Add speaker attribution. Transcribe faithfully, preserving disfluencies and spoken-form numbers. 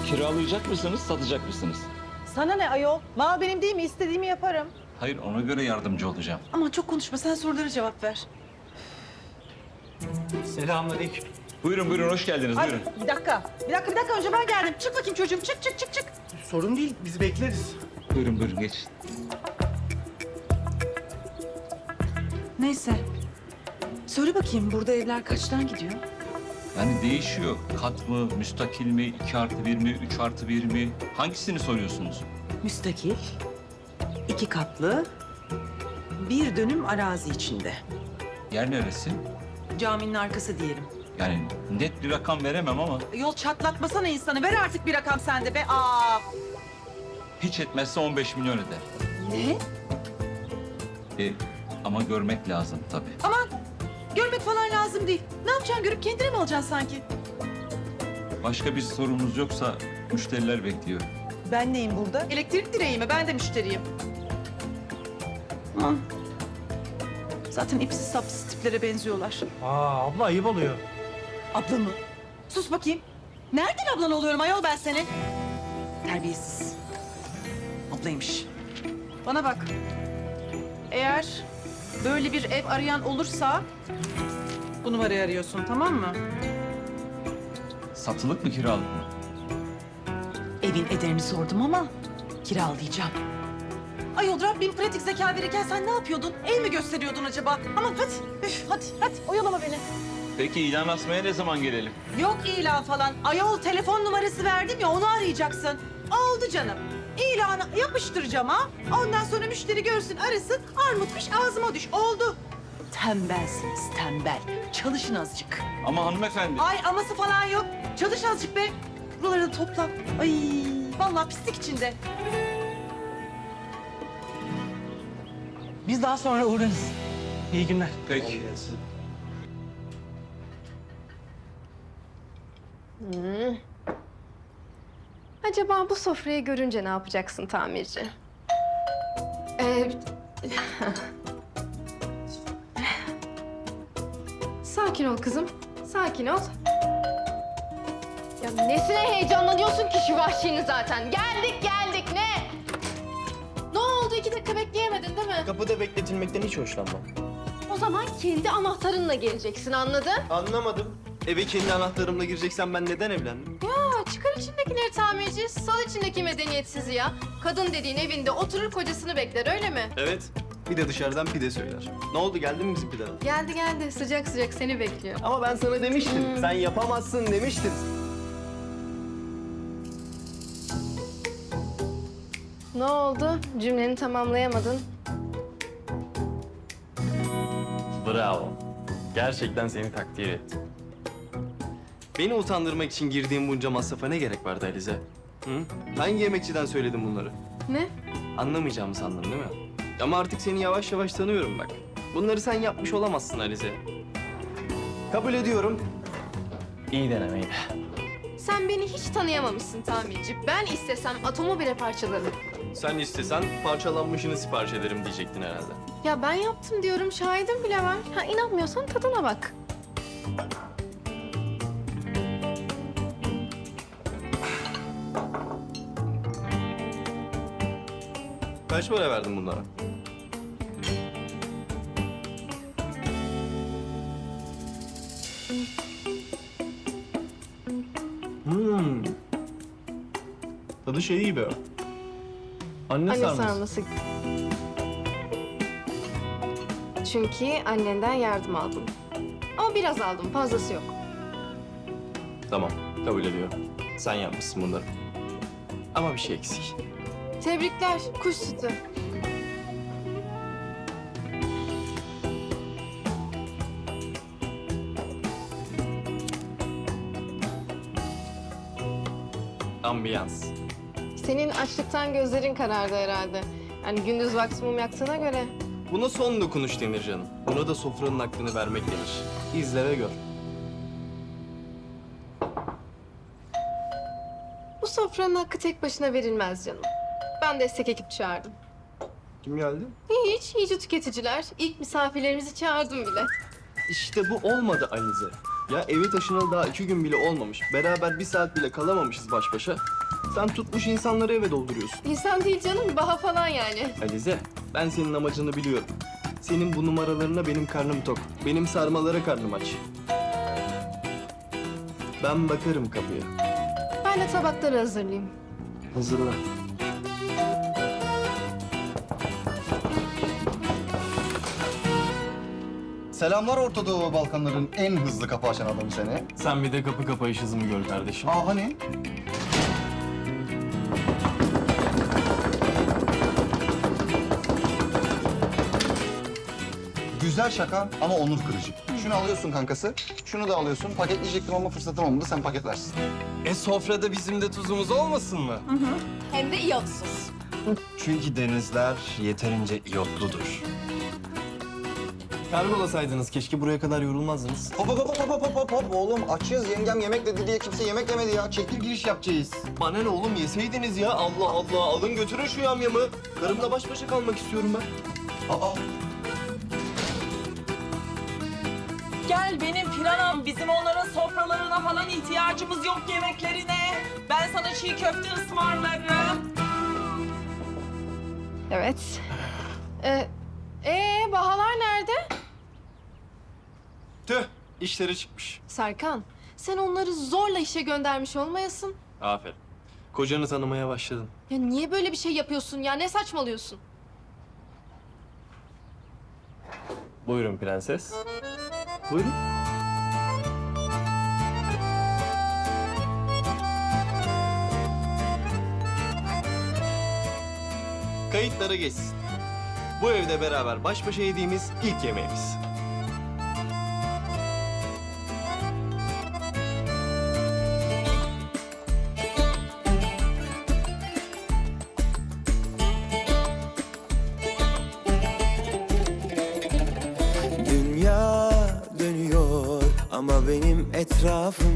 Speaker 1: Kiralayacak mısınız, satacak mısınız?
Speaker 2: Sana ne ayol? Mal benim değil mi? İstediğimi yaparım.
Speaker 1: Hayır, ona göre yardımcı olacağım.
Speaker 2: Aman çok konuşma. Sen sorulara cevap ver.
Speaker 3: Selamünaleyküm.
Speaker 1: Buyurun buyurun, hoş geldiniz.
Speaker 2: Ay,
Speaker 1: Buyurun.
Speaker 2: bir dakika. Bir dakika, bir dakika. Önce ben geldim. Çık bakayım çocuğum. Çık, çık, çık, çık.
Speaker 3: Sorun değil, biz bekleriz.
Speaker 1: Buyurun buyurun, geçin.
Speaker 2: Neyse. Söyle bakayım burada evler kaçtan gidiyor?
Speaker 1: Yani değişiyor. Kat mı, müstakil mi, iki artı bir mi, üç artı bir mi? Hangisini soruyorsunuz?
Speaker 2: Müstakil, iki katlı, bir dönüm arazi içinde.
Speaker 1: Yer neresi?
Speaker 2: Caminin arkası diyelim.
Speaker 1: Yani net bir rakam veremem ama
Speaker 2: Yol çatlatmasana insanı. Ver artık bir rakam sende be. Aa.
Speaker 1: hiç etmezse on beş milyon eder.
Speaker 2: Ne?
Speaker 1: E, ama görmek lazım tabii.
Speaker 2: Aman görmek falan lazım değil. Ne yapacaksın? Görüp kendine mi alacaksın sanki?
Speaker 1: Başka bir sorunuz yoksa müşteriler bekliyor.
Speaker 2: Ben neyim burada? Elektrik direği mi? Ben de müşteriyim. Aman. Zaten ipsiz sapsız tiplere benziyorlar.
Speaker 3: Aa, abla ayıp oluyor.
Speaker 2: Abla mı? Sus bakayım. Nereden ablan oluyorum ayol ben senin? Terbiyesiz. Ablaymış. Bana bak. Eğer böyle bir ev arayan olursa bu numarayı arıyorsun, tamam mı?
Speaker 1: Satılık mı, kiralık mı?
Speaker 2: Evin ederini sordum ama kiralayacağım. Ayol Rabbim pratik zeka verirken sen ne yapıyordun? El mi gösteriyordun acaba? Aman hadi, üf, hadi, hadi oyalama beni.
Speaker 1: Peki ilan asmaya ne zaman gelelim?
Speaker 2: Yok ilan falan. Ayol telefon numarası verdim ya onu arayacaksın. Oldu canım. İlanı yapıştıracağım ha. Ondan sonra müşteri görsün arasın. Armutmuş ağzıma düş. Oldu. Tembelsiniz tembel. Çalışın azıcık.
Speaker 1: Ama hanımefendi.
Speaker 2: Ay aması falan yok. Çalış azıcık be. Buraları da topla. Ay vallahi pislik içinde.
Speaker 3: Biz daha sonra uğrarız. İyi günler.
Speaker 1: Peki.
Speaker 4: Acaba bu sofrayı görünce ne yapacaksın tamirci? Ee, sakin ol kızım, sakin ol. Ya nesine heyecanlanıyorsun ki şu vahşini zaten? Geldik geldik ne? Ne oldu? İki dakika bekleyemedin değil mi?
Speaker 5: Kapıda bekletilmekten hiç hoşlanmam.
Speaker 4: O zaman kendi anahtarınla geleceksin, anladın?
Speaker 5: Anlamadım. Eve kendi anahtarımla gireceksen ben neden evlendim?
Speaker 4: Ya çıkar içindekileri tamirci, sal içindeki medeniyetsiz ya. Kadın dediğin evinde oturur kocasını bekler, öyle mi?
Speaker 5: Evet. Bir de dışarıdan pide söyler. Ne oldu, geldi mi bizim pideler?
Speaker 4: Geldi geldi, sıcak sıcak seni bekliyor.
Speaker 5: Ama ben sana demiştim. Sen yapamazsın demiştim.
Speaker 4: Ne oldu? Cümleni tamamlayamadın.
Speaker 5: Bravo. Gerçekten seni takdir ettim. Beni utandırmak için girdiğim bunca masrafa ne gerek vardı Alize? Hı? Hangi yemekçiden söyledim bunları?
Speaker 4: Ne?
Speaker 5: Anlamayacağımı sandın değil mi? Ama artık seni yavaş yavaş tanıyorum bak. Bunları sen yapmış olamazsın Alize. Kabul ediyorum. İyi denemeydi.
Speaker 4: Sen beni hiç tanıyamamışsın tamirci. Ben istesem atomu bile parçalarım.
Speaker 5: Sen istesen parçalanmışını sipariş ederim diyecektin herhalde.
Speaker 4: Ya ben yaptım diyorum, şahidim bile var. Ha inanmıyorsan tadına bak.
Speaker 5: Kaç para verdin bunlara? Hmm. Tadı şey gibi. Anne,
Speaker 4: Anne
Speaker 5: sarması.
Speaker 4: sarması. Çünkü annenden yardım aldım. Ama biraz aldım, fazlası yok.
Speaker 5: Tamam, kabul ediyorum. Sen yapmışsın bunları. Ama bir şey eksik.
Speaker 4: Tebrikler, kuş sütü.
Speaker 5: Ambiyans.
Speaker 4: Senin açlıktan gözlerin karardı herhalde. Yani gündüz vakti mum yaktığına göre.
Speaker 5: Buna son dokunuş denir canım. Buna da sofranın hakkını vermek denir. İzle ve gör.
Speaker 4: Bu sofranın hakkı tek başına verilmez canım. Ben destek ekip çağırdım.
Speaker 5: Kim geldi?
Speaker 4: Hiç, iyice tüketiciler. İlk misafirlerimizi çağırdım bile.
Speaker 5: İşte bu olmadı Alize. Ya evi taşınalı daha iki gün bile olmamış. Beraber bir saat bile kalamamışız baş başa. Sen tutmuş insanları eve dolduruyorsun.
Speaker 4: İnsan değil canım, baha falan yani.
Speaker 5: Alize, ben senin amacını biliyorum. Senin bu numaralarına benim karnım tok. Benim sarmalara karnım aç. Ben bakarım kapıya.
Speaker 4: Ben de tabakları hazırlayayım.
Speaker 5: Hazırla.
Speaker 6: Selamlar Orta Doğu ve Balkanların en hızlı kapı açan adamı seni.
Speaker 5: Sen bir de kapı kapayış hızımı gör kardeşim.
Speaker 6: Aa hani? Güzel şaka ama onur kırıcı. Şunu alıyorsun kankası, şunu da alıyorsun. Paketleyecektim ama fırsatım olmadı, sen paketlersin.
Speaker 5: E sofrada bizim de tuzumuz olmasın mı?
Speaker 4: Hem de iyotsuz.
Speaker 6: Çünkü denizler yeterince iyotludur.
Speaker 5: Karbolasaydınız keşke buraya kadar yorulmazdınız.
Speaker 6: Hop hop hop hop hop hop hop oğlum açız yengem yemek dedi diye kimse yemek yemedi ya. Çekil giriş yapacağız.
Speaker 5: Bana ne oğlum yeseydiniz ya. Allah Allah alın götürün şu yamyamı. Karımla baş başa kalmak istiyorum ben.
Speaker 6: Aa
Speaker 7: Gel benim Piranam. Bizim onların sofralarına falan ihtiyacımız yok, yemeklerine. Ben sana çiğ köfte ısmarlarım.
Speaker 4: Evet. Ee, ee, bahalar nerede?
Speaker 5: Tüh işleri çıkmış.
Speaker 4: Serkan, sen onları zorla işe göndermiş olmayasın.
Speaker 5: Aferin. Kocanı tanımaya başladın.
Speaker 4: Ya niye böyle bir şey yapıyorsun ya? Ne saçmalıyorsun?
Speaker 5: Buyurun prenses. Buyurun. Kayıtlara geçsin. Bu evde beraber baş başa yediğimiz ilk yemeğimiz.
Speaker 8: Dünya dönüyor ama benim etrafım